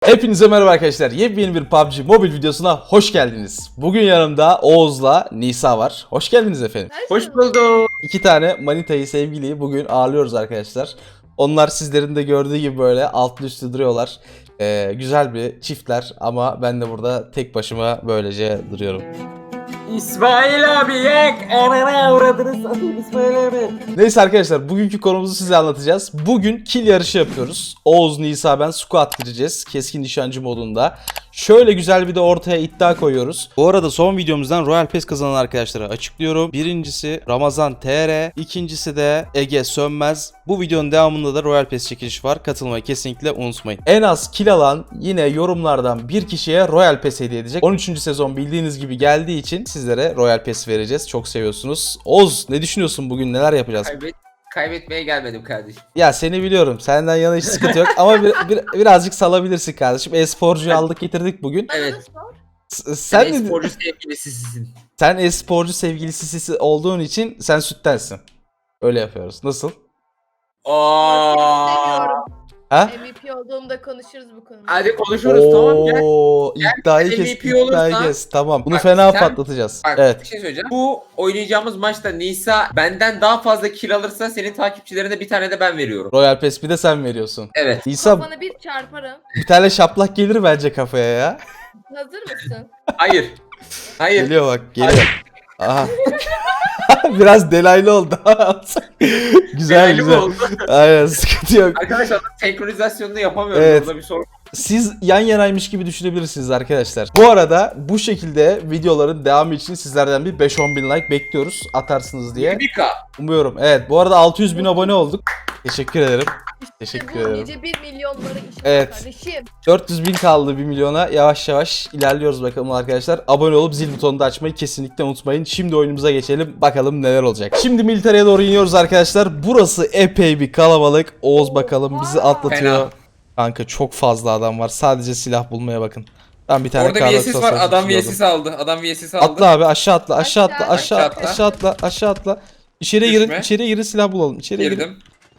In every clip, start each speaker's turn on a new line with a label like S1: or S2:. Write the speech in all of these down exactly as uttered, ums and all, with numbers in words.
S1: Hepinize merhaba arkadaşlar. Yepyeni bir P U B G mobil videosuna hoş geldiniz. Bugün yanımda Oğuz'la Nisa var. Hoş geldiniz efendim.
S2: Hoş bulduk.
S1: İki tane manitayı, sevgiliyi bugün ağırlıyoruz arkadaşlar. Onlar sizlerin de gördüğü gibi böyle altlı üstü duruyorlar. Ee, güzel bir çiftler ama ben de burada tek başıma böylece duruyorum.
S2: İsmail abi yek. Anana uğradınız satayım İsmail abi.
S1: Neyse arkadaşlar, bugünkü konumuzu size anlatacağız. Bugün kill yarışı yapıyoruz. Oğuz, Nisa, ben squad gireceğiz. Keskin nişancı modunda. Şöyle güzel bir de ortaya iddia koyuyoruz. Bu arada son videomuzdan Royal Pass kazanan arkadaşlara açıklıyorum. Birincisi Ramazan T R, ikincisi de Ege Sönmez. Bu videonun devamında da Royal Pass çekilişi var. Katılmayı kesinlikle unutmayın. En az kill alan yine yorumlardan bir kişiye Royal Pass hediye edecek. on üçüncü sezon bildiğiniz gibi geldiği için sizlere Royal Pass vereceğiz. Çok seviyorsunuz. Oğuz, ne düşünüyorsun bugün? Neler yapacağız?
S2: Kaybet, kaybetmeye gelmedim kardeşim.
S1: Ya seni biliyorum. Senden yana hiç sıkıntı yok. Ama bir, bir- birazcık salabilirsin kardeşim. E-sporcuyu aldık getirdik bugün.
S2: Evet.
S1: S-
S2: Sen
S1: Sen de,
S2: sporcu sevgilisisin.
S1: sen e-sporcu sevgilisi olduğun için sen süttensin. Öyle yapıyoruz. Nasıl?
S2: Ooo.
S3: Seviyorum.
S1: Ha?
S3: M V P olduğumda konuşuruz bu konuda.
S2: Hadi konuşuruz tamam gel.
S1: Oo, iddiayı
S2: Gel,
S1: kes,
S2: M V P
S1: iddiayı
S2: olursa-
S1: kes. Tamam. Bunu
S2: Bak,
S1: fena
S2: sen-
S1: patlatacağız.
S2: Bak bir
S1: Evet.
S2: şey söyleyeceğim. Bu oynayacağımız maçta Nisa benden daha fazla kill alırsa senin takipçilerine bir tane de ben veriyorum.
S1: Royal Pass bir de sen veriyorsun.
S2: Evet.
S1: Nisa,
S3: Kafana bir çarparım.
S1: bir tane şaplak gelir bence kafaya ya.
S3: Hazır mısın?
S2: Hayır. Hayır.
S1: Geliyor bak, geliyor. Aha. Biraz delaylı oldu. Güzel
S2: Değerli mi
S1: güzel.
S2: oldu?
S1: Aynen, sıkıntı yok.
S2: Arkadaşlar senkronizasyonunu yapamıyorum.
S1: Evet.
S2: Burada bir sorun.
S1: Siz yan yanaymış gibi düşünebilirsiniz arkadaşlar. Bu arada bu şekilde videoların devamı için sizlerden bir beş on bin like bekliyoruz, atarsınız diye
S2: Bir K.
S1: umuyorum. Evet, bu arada altı yüz bin abone olduk. Teşekkür ederim. Teşekkür
S3: bu
S1: ederim.
S3: nice bir milyonlara iş
S1: Evet.
S3: kardeşim.
S1: dört yüz bin kaldı bir milyona. Yavaş yavaş ilerliyoruz bakalım arkadaşlar. Abone olup zil butonunu da açmayı kesinlikle unutmayın. Şimdi oyunumuza geçelim. Bakalım neler olacak. Şimdi militereye doğru iniyoruz arkadaşlar. Burası epey bir kalabalık. Oğuz bakalım bizi atlatıyor.
S2: Fena.
S1: Kanka çok fazla adam var. Sadece silah bulmaya bakın. Ben bir tane
S2: Orada
S1: Carlos
S2: V S S var.
S1: Sosa'yı
S2: Adam
S1: tutuyordum.
S2: V S S aldı. Adam V S S aldı.
S1: Atla abi, aşağı atla, aşağı atla,
S3: Aşağı,
S1: aşağı atla,
S2: aşağı
S1: aşağı atla, aşağı atla. İçeriye girin,
S2: Düşme.
S1: içeriye girin, silah bulalım. İçeriye girin.
S2: Girdim.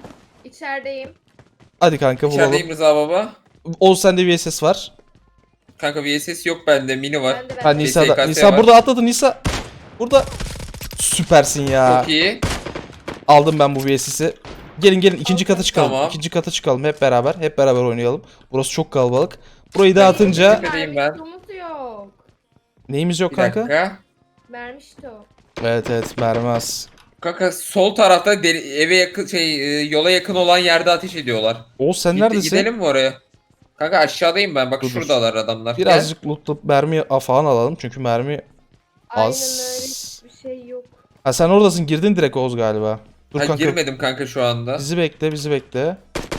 S1: Hadi
S3: İçerideyim.
S1: kanka, bulalım.
S2: İçerideyim Rıza baba.
S1: Oğuz, sende V S S var.
S2: Kanka V S S yok bende. Mini var.
S3: Ben de
S1: Ha,
S3: ben de.
S1: Nisa
S2: S K
S1: da.
S2: S
S1: Nisa
S2: var.
S1: burada atladı, Nisa. Burada. Süpersin ya.
S2: Çok iyi.
S1: Aldım ben bu V S S'i. Gelin gelin, ikinci kata çıkalım.
S2: Tamam.
S1: İkinci kata çıkalım hep beraber. Hep beraber oynayalım. Burası çok kalabalık. Burayı dağıtınca
S2: Tepedeyim ben.
S3: Mermi yok.
S1: neyimiz yok
S2: Bir
S1: kanka?
S2: dakika.
S3: Mermi yok.
S1: Evet evet, mermi az.
S2: Kanka sol tarafta deli- eve yakın şey e, yola yakın olan yerde ateş ediyorlar.
S1: Oğuz, sen
S2: Gide-
S1: neredesin?
S2: Gidelim mi oraya? Kanka aşağıdayım ben. Bak
S1: Dur, dur.
S2: şuradalar adamlar. Gel.
S1: Birazcık lootlayıp mermi falan alalım çünkü mermi
S3: Aynen
S1: az.
S3: öyle, hiçbir şey yok.
S1: Ha, sen oradasın, girdin direkt Oğuz galiba. Dur
S2: Ha,
S1: kanka.
S2: girmedim kanka şu anda.
S1: Bizi bekle, bizi bekle.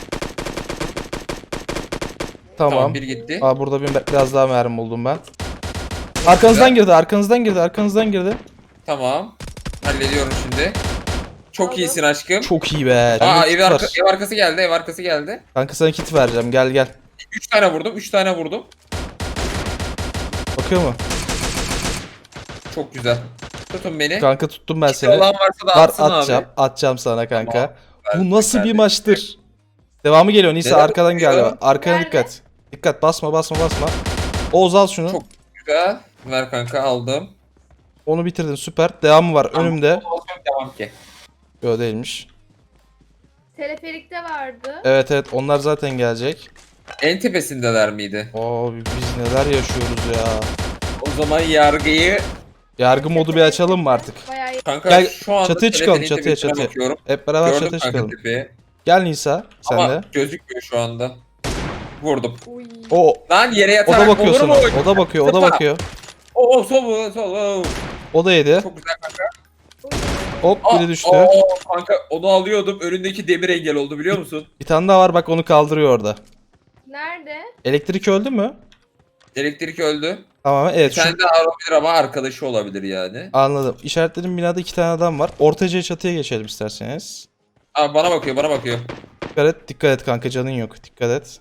S2: Tamam,
S1: Tamam.
S2: bir gitti.
S1: Aa, burada bir, biraz daha mermi buldum ben. Arkanızdan
S2: güzel.
S1: girdi, arkanızdan girdi, arkanızdan girdi.
S2: Tamam. Hallediyorum şimdi. Çok
S3: Aldım.
S2: iyisin aşkım.
S1: Çok iyi be.
S2: Aa
S1: Bende
S2: ev,
S1: kit
S2: arka,
S1: var.
S2: ev arkası geldi. Ev arkası geldi.
S1: Kanka sana kit vereceğim, gel gel.
S2: üç tane vurdum. üç tane vurdum.
S1: Bakıyor mu?
S2: Çok güzel. Tutun beni.
S1: Kanka tuttum ben
S2: Kit
S1: seni.
S2: olan varsa da
S1: Var,
S2: atsın
S1: atacağım,
S2: abi.
S1: atacağım sana kanka.
S2: Tamam. Ben-
S1: Bu nasıl
S2: ben
S1: bir
S2: de-
S1: maçtır? Devamı geliyor Nisa,
S2: Neden
S1: arkadan
S2: geliyor?
S1: geliyor. Arkana
S3: Nerede?
S1: dikkat. Dikkat, basma basma basma. Oğuz al şunu.
S2: Çok- Güzel. Ver kanka aldım.
S1: Onu bitirdin, süper. Devamı var önümde.
S2: Devam ki.
S1: Yok, değilmiş.
S3: Teleferikte vardı.
S1: Evet evet, onlar zaten gelecek.
S2: En tepesindeler miydi?
S1: Abi biz neler yaşıyoruz ya.
S2: O zaman yargıyı
S1: Yargı modu bir açalım mı artık?
S3: Bayağı iyi.
S2: kanka
S1: Gel,
S2: şu anda
S1: çatıya çıkalım,
S2: teleferin
S1: çatıya,
S2: tepesine
S1: çatıya.
S2: bakıyorum.
S1: Hep beraber
S2: Gördüm
S1: çatıya
S2: kanka
S1: çıkalım.
S2: tepeyi.
S1: Gel Nisa, sen
S2: Ama
S1: de.
S2: gözükmüyor şu anda. Vurdum.
S3: Uy.
S1: O
S2: Lan yere
S1: o
S2: yatarak
S1: da bakıyor
S2: olur mu?
S1: sana. O da bakıyor, o da
S2: Sıpa.
S1: bakıyor.
S2: Oo sol sol. oo.
S1: O da yedi.
S2: Çok güzel kanka.
S3: Uy.
S1: Hop,
S2: Aa,
S1: biri düştü.
S2: oo, kanka onu alıyordum. Önündeki demir engel oldu biliyor musun?
S1: Bir tane daha var, bak onu kaldırıyor orada.
S3: Nerede?
S1: Elektrik öldü mü?
S2: Elektrik öldü.
S1: Tamam,
S2: Bir
S1: evet, şu
S2: tane daha olabilir ama arkadaşı olabilir yani.
S1: anladım. İşaretlediğim binada iki tane adam var. Ortaca'ya, çatıya geçelim isterseniz.
S2: Aa bana bakıyor bana bakıyor.
S1: Dikkat et, dikkat et kanka, canın yok. Dikkat et.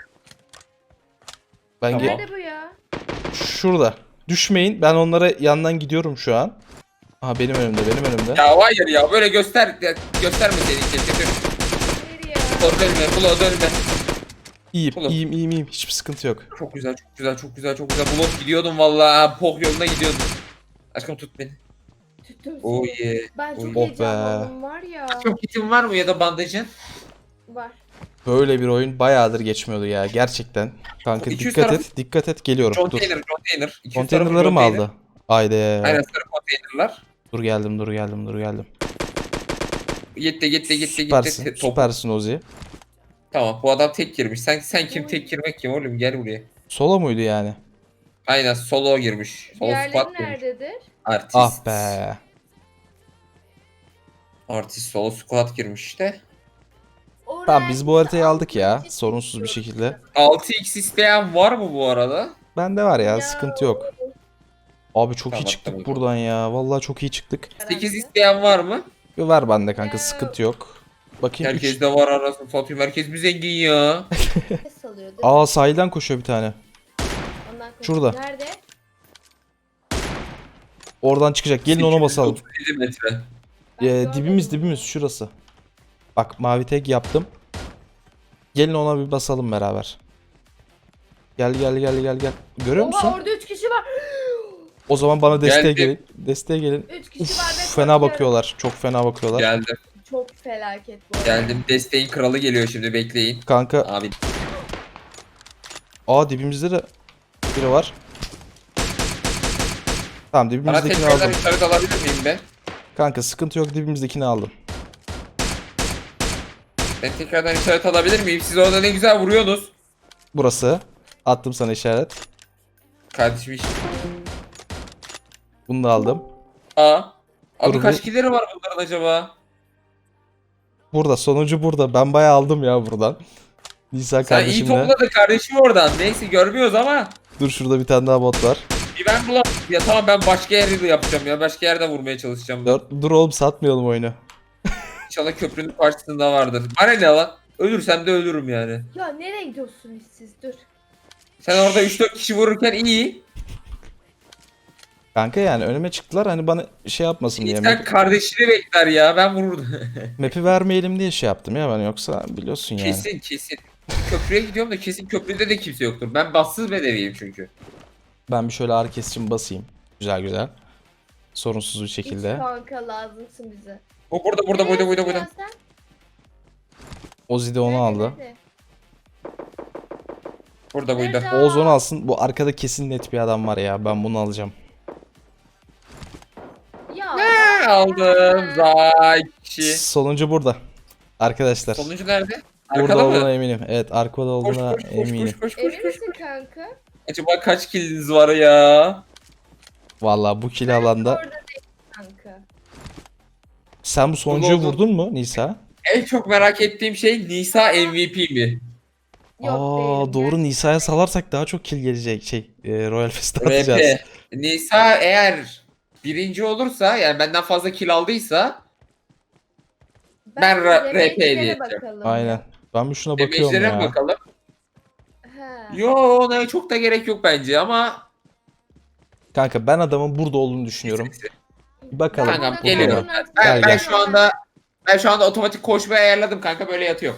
S1: Ben
S2: Tamam.
S1: ge-
S3: Nerede bu ya?
S1: şurada. Düşmeyin. Ben onlara yandan gidiyorum şu an. Aha, benim önümde, benim önümde.
S2: Ya hayır ya böyle göster ya, gösterme seni keşke.
S3: Nereye ya?
S2: Bulo dönme bulo dönme.
S1: İyiyim,
S2: Oğlum.
S1: iyiyim, iyiyim, iyiyim. Hiçbir sıkıntı yok.
S2: Çok güzel, çok güzel, çok güzel, çok güzel. Blok gidiyordum vallahi. Pok yoluna gidiyordum. Aşkım tut beni.
S3: Tuttum seni.
S2: Oh yeah.
S3: Ben
S2: Oh
S3: çok
S2: yeah.
S1: Oh be.
S3: heyecanlandım var ya.
S2: Çok kitin var mı ya da bandajın?
S3: Var.
S1: Böyle bir oyun bayağıdır geçmiyordu ya gerçekten. Kanka
S2: iki yüz
S1: dikkat
S2: tarafı-
S1: et, dikkat et geliyorum. Dur.
S2: Container, container. İki yüz tarafı
S1: Konteynerları mı
S2: container.
S1: aldı? Haydi.
S2: Aynen sarı konteynerlar.
S1: Dur geldim, dur geldim, dur geldim.
S2: Gitti, gitti, gitti,
S1: Süpersin,
S2: gitti. Top.
S1: süpersin Ozi.
S2: Tamam, bu adam tek girmiş. Sen sen kim
S3: Oy.
S2: tek girmek kim oğlum? Gel buraya.
S1: Solo muydu yani?
S2: Aynen solo girmiş. Solo
S3: Diğerleri
S2: squad girmiş.
S3: nerededir?
S2: Artist.
S1: Ah be.
S2: Artist solo squad girmiş işte.
S1: Tamam biz bu haritayı aldık ya. Sorunsuz bir şekilde.
S2: altı x isteyen var mı bu arada?
S1: Bende var ya,
S3: Ya.
S1: sıkıntı yok. Abi çok iyi
S2: Tamam,
S1: çıktık
S2: tamam.
S1: buradan ya. Vallahi çok iyi çıktık.
S2: sekiz isteyen var mı?
S1: Bir ver bende kanka,
S3: Ya.
S1: sıkıntı yok. Bakayım üç.
S2: Herkes de var arasını satayım. Herkes mi zengin ya?
S3: Ses alıyor değil mi?
S1: Aa sahilden koşuyor bir tane.
S3: Ondan konuş-
S1: şurada.
S3: Nerede?
S1: Oradan çıkacak. Gelin ona basalım.
S2: sekiz yüz otuz yedi metre.
S3: Ben
S1: Ee,
S3: görmedim
S1: dibimiz
S3: bunu.
S1: dibimiz şurası. Bak mavi tek yaptım. Gelin ona bir basalım beraber. Gel gel gel gel gel. Görüyor
S3: Oha,
S1: musun?
S3: orada üç kişi var.
S1: O zaman bana desteğe
S2: Geldim.
S1: gelin. Desteğe gelin.
S3: Üç kişi
S1: Uf,
S3: var ve
S1: fena
S3: korkuyorum.
S1: bakıyorlar. Çok fena bakıyorlar.
S2: Geldim.
S3: Çok felaket bu arada.
S2: Geldim. Desteğin kralı geliyor şimdi bekleyin.
S1: Kanka
S2: Abi
S1: aa dibimizde de biri var. Tamam
S2: bana
S1: dibimizdekini
S2: tekrardan
S1: aldım.
S2: işaret alabilir miyim be?
S1: Kanka sıkıntı yok, dibimizdekini aldım.
S2: Ben tekrardan işaret alabilir miyim? Siz orada ne güzel vuruyorsunuz.
S1: Burası. Attım sana işaret.
S2: Kardeşim iş.
S1: Bunu da aldım.
S2: Aa. Abi
S1: Dur,
S2: kaç
S1: bu-
S2: killeri var bunların acaba?
S1: Burada sonucu burada. Ben bayağı aldım ya buradan. Nisa
S2: Sen iyi
S1: kardeşimle.
S2: topladın kardeşim oradan. Neyse görmüyoruz ama.
S1: Dur şurada bir tane daha bot var.
S2: Bir ben bulam. Ya tamam ben başka yerde yapacağım ya. Başka yerde vurmaya çalışacağım.
S1: Dur, dur oğlum satmayalım oyunu.
S2: İnşallah köprünün karşısında vardır. Bana ne lan? Ölürsem de ölürüm yani.
S3: Ya nereye gidiyorsunuz siz? Dur.
S2: Sen orada üç dört kişi vururken iyi.
S1: Kanka yani önüme çıktılar hani bana şey yapmasın diye.
S2: Sen
S1: Map,
S2: kardeşini bekler ya. Ben vururdum.
S1: map'i vermeyelim diye şey yaptım ya ben, yoksa biliyorsun yani.
S2: Kesin kesin. Köprüye gidiyorum da kesin köprüde de kimse yoktur. Ben bassız bedeviyim çünkü.
S1: Ben bir şöyle ağrı kesicimi basayım. Güzel güzel. Sorunsuz bir
S3: Hiç
S1: şekilde.
S3: kanka lazımsın bize.
S2: O burada burada burada burada burada.
S3: Sen?
S1: Ozi de onu
S3: Nerede,
S1: aldı.
S3: nerede?
S2: Burada buydu.
S3: Nerede?
S1: Oğuz onu alsın. Bu arkada kesin net bir adam var ya. Ben bunu alacağım.
S3: Ya.
S2: Ne aldım? Zay kişi.
S1: Sonuncu burada. Arkadaşlar.
S2: Sonuncu nerede?
S1: Burada
S2: Arkada
S1: olduğuna
S2: mı?
S1: eminim. Evet arkada
S2: Koş
S1: olduğuna
S2: koş koş
S1: eminim.
S2: koş koş koş
S3: Emin
S2: koş.
S3: misin kanka?
S2: Acaba kaç kiliniz var ya?
S1: Vallahi bu kill alanda.
S3: Orada değil kanka.
S1: Sen bu sonuncuyu
S2: oldu.
S1: vurdun mu Nisa?
S2: En çok merak ettiğim şey Nisa M V P mi?
S3: Yok
S1: Aa
S3: değilim,
S1: doğru,
S3: gerçekten.
S1: Nisa'ya salarsak daha çok kill gelecek şey. E, Royal Fest atacağız.
S2: R P. Nisa eğer birinci olursa yani benden fazla kill aldıysa Ben ra-
S3: damage'lere
S2: R P hediye edeceğim.
S3: bakalım
S1: Aynen.
S3: ya.
S1: Ben bir şuna bakıyorum
S2: damage'lere
S1: ya.
S2: bakalım.
S3: He.
S2: Yo ona çok da gerek yok bence ama
S1: Kanka ben adamın burada olduğunu düşünüyorum. Bir bakalım.
S2: Kankam,
S3: burada
S2: geliyorum.
S3: kaldım artık.
S2: ben,
S1: Gel,
S2: ben
S1: gel.
S2: şu anda ben şu anda otomatik koşmayı ayarladım kanka böyle yatıyor.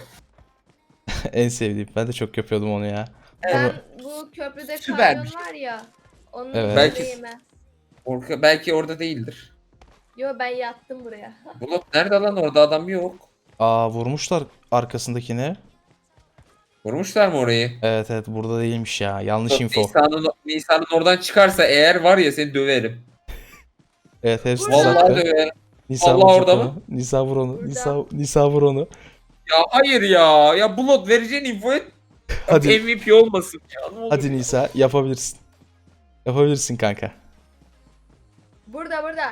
S1: En sevdiğim. Ben de çok yapıyordum onu ya.
S3: Ben bu köprüde
S2: Süpermiş.
S3: kamyon var ya. Onun
S1: Evet.
S2: Belki-
S3: Belki... ben.
S2: Orka, belki orada değildir.
S3: Yo ben yattım buraya.
S2: Bulut nerede lan orada adam yok.
S1: Aa vurmuşlar arkasındakini.
S2: Vurmuşlar mı orayı?
S1: Evet evet burada değilmiş ya. Yanlış info.
S2: Nisa'nın Nisa'nın oradan çıkarsa eğer var ya seni döverim.
S1: Evet hepsini
S3: Burada.
S2: Vallahi
S1: sattı.
S2: döverim.
S1: Nisa
S2: Allah
S1: vuracak
S2: orada
S1: onu.
S2: mı?
S1: Nisa vur onu.
S3: Burada.
S1: Nisa, Nisa vur onu.
S2: Ya hayır ya. Ya Bulut vereceğin infoyu
S1: Hadi.
S2: M V P olmasın ya. Ne olur.
S1: Hadi Nisa yapabilirsin. Yapabilirsin kanka.
S3: Burada burada.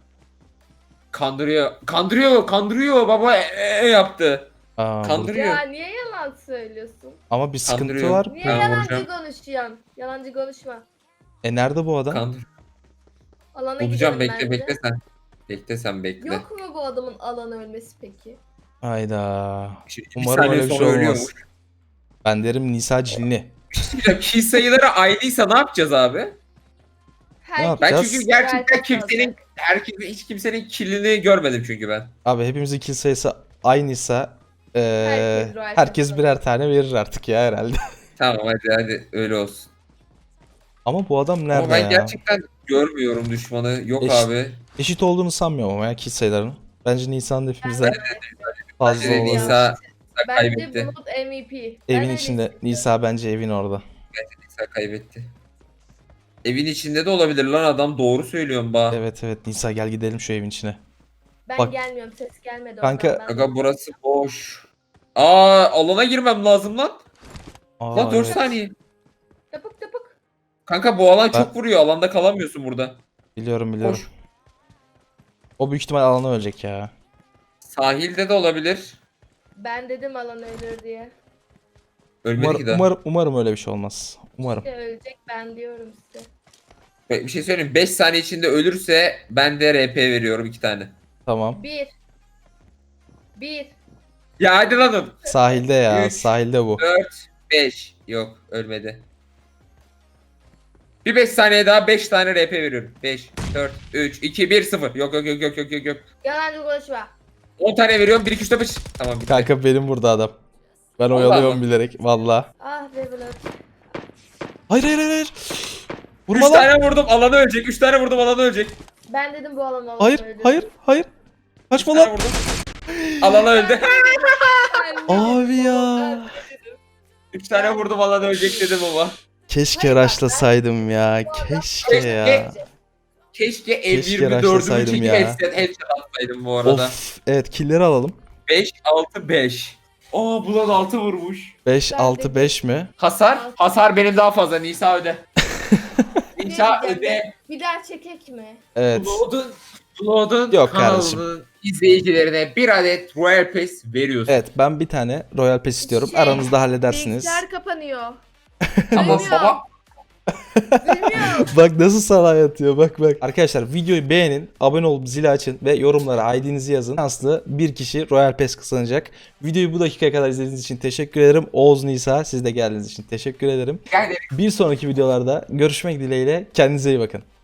S2: Kandırıyor. Kandırıyor. Kandırıyor. Baba e, e, e yaptı.
S1: Aa, burada-
S2: Kandırıyor.
S3: Ya niye yalan söylüyorsun?
S1: Ama bir sıkıntı
S2: Kandırıyor.
S1: var.
S3: Niye
S2: Ben
S3: yalancı
S2: vuracağım.
S3: konuşuyorsun? Yalancı konuşma.
S1: E nerede bu adam?
S2: Kandır.
S3: Alana
S2: Bulacağım
S3: gidiyorum
S2: bekle
S3: ben
S2: bekle
S3: de.
S2: sen. Bekle sen bekle.
S3: Yok mu bu adamın alanı ölmesi peki?
S1: Hayda.
S2: Şimdi bir
S1: Umarım
S2: saniye
S1: öyle bir
S2: sonra
S1: şey
S2: ölüyormuş.
S1: olmaz. Ben derim Nisa cinli.
S2: Ya kill sayıları aynıysa ne yapacağız abi?
S3: Herkes
S2: Ben
S1: yapacağız?
S2: çünkü gerçekten
S3: Gerçek
S2: kimsenin
S3: olacak.
S2: herkes hiç kimsenin killini görmedim çünkü ben.
S1: Abi hepimizin kill sayısı aynıysa Ee,
S3: Herkes Royal
S1: herkes
S3: Pass
S1: birer tane verir artık ya herhalde.
S2: Tamam hadi hadi öyle olsun.
S1: Ama bu adam nerede
S2: Ama ben
S1: ya?
S2: gerçekten görmüyorum düşmanı. Yok
S1: Eş-
S2: abi.
S1: Eşit olduğunu sanmıyorum ama ya kill sayılarının. Bence Nisan'ın hepimizden fazla
S2: Bence de
S1: olabilir.
S2: Nisa
S3: Bence
S2: kaybetti.
S3: Bulut M V P.
S1: Evin
S3: Ben öyle
S1: içinde.
S3: hissediyorum.
S1: Nisa bence evin orada.
S2: Nisa kaybetti. Evin içinde de olabilir lan adam doğru söylüyorsun ba.
S1: Evet evet Nisa gel gidelim şu evin içine.
S3: Ben
S1: Bak.
S3: gelmiyorum, ses gelmedi
S1: Kanka-
S3: oradan. Ben-
S2: Aga burası boş. Aa alana girmem lazım lan.
S1: Aa,
S2: Lan dört
S1: evet.
S2: saniye.
S3: Tapık tapık.
S2: Kanka bu alan
S1: Ben-
S2: çok vuruyor. Alanda kalamıyorsun burada.
S1: Biliyorum biliyorum.
S2: Koş.
S1: O büyük ihtimal alana ölecek ya.
S2: Sahilde de olabilir.
S3: Ben dedim alan ölür diye.
S2: Ölmedi
S1: Umar,
S2: ki daha.
S1: umarım, umarım öyle bir şey olmaz. Umarım.
S3: İşte ölecek ben diyorum size.
S2: Bir şey söyleyeyim. beş saniye içinde ölürse ben de R P veriyorum iki tane.
S1: Tamam.
S3: Bir. Bir.
S2: Ya hadi lan oğlum.
S1: Sahilde ya.
S2: Üç.
S1: Sahilde bu.
S2: dört, beş. Yok ölmedi. Bir beş saniye daha beş tane R P veriyorum. beş, dört, üç, iki, bir, sıfır. Yok yok yok yok yok yok yok.
S3: Yalancı konuşma.
S2: on tane veriyorum. bir, iki, üç, dört, beş. Tamam bitti.
S1: Kanka benim burada adam. Ben
S2: Vallahi
S1: oyalıyorum
S2: mı?
S1: bilerek. Valla.
S3: Ah be Bulut.
S1: Hayır hayır hayır. hayır.
S2: üç
S1: Vurma lan.
S2: tane vurdum alana ölecek. üç tane vurdum alana ölecek.
S3: Ben dedim bu alan alan
S1: Hayır
S3: ölür.
S1: hayır hayır.
S2: üç
S1: Kaçma
S2: tane
S1: lan.
S2: vurdum. Alana öldü.
S1: Abi ya.
S2: üç tane vurdum alana ölecek dedim ama.
S1: Keşke
S3: Hayır, bak,
S1: raşlasaydım ya. Keşke ya.
S2: Keşke M
S1: Keşke
S2: yirmi dördümü
S1: raşlasaydım
S2: çekip
S1: ya.
S2: headset, headset atsaydım bu arada.
S1: Of. Evet killleri alalım.
S2: beş, altı, beş. Aa Bulan altı vurmuş.
S1: beş,
S3: Ben
S1: altı,
S3: de-
S1: beş mi?
S2: Hasar? Hasar benim daha fazla. Nisa öde. Nisa
S3: diyeceğim?
S2: öde.
S3: Bir daha çekek mi?
S1: Evet.
S2: Blood'un Blood'un
S1: Yok
S2: kanalının izleyicilerine bir adet Royal Pass veriyorsun.
S1: Evet ben bir tane Royal Pass istiyorum.
S3: Şey,
S1: Aranızda halledersiniz.
S3: Bilgisayar kapanıyor.
S2: Ama
S3: Duymuyor.
S2: baba
S3: Duymuyor.
S1: Bak nasıl sana yatıyor bak bak. Arkadaşlar videoyu beğenin, abone olup zili açın ve yorumlara I D'nizi yazın. Şanslı bir kişi Royal Pass kazanacak. Videoyu bu dakikaya kadar izlediğiniz için teşekkür ederim. Oğuz, Nisa siz de geldiğiniz için teşekkür ederim.
S2: yani
S1: Bir sonraki videolarda görüşmek dileğiyle kendinize iyi bakın.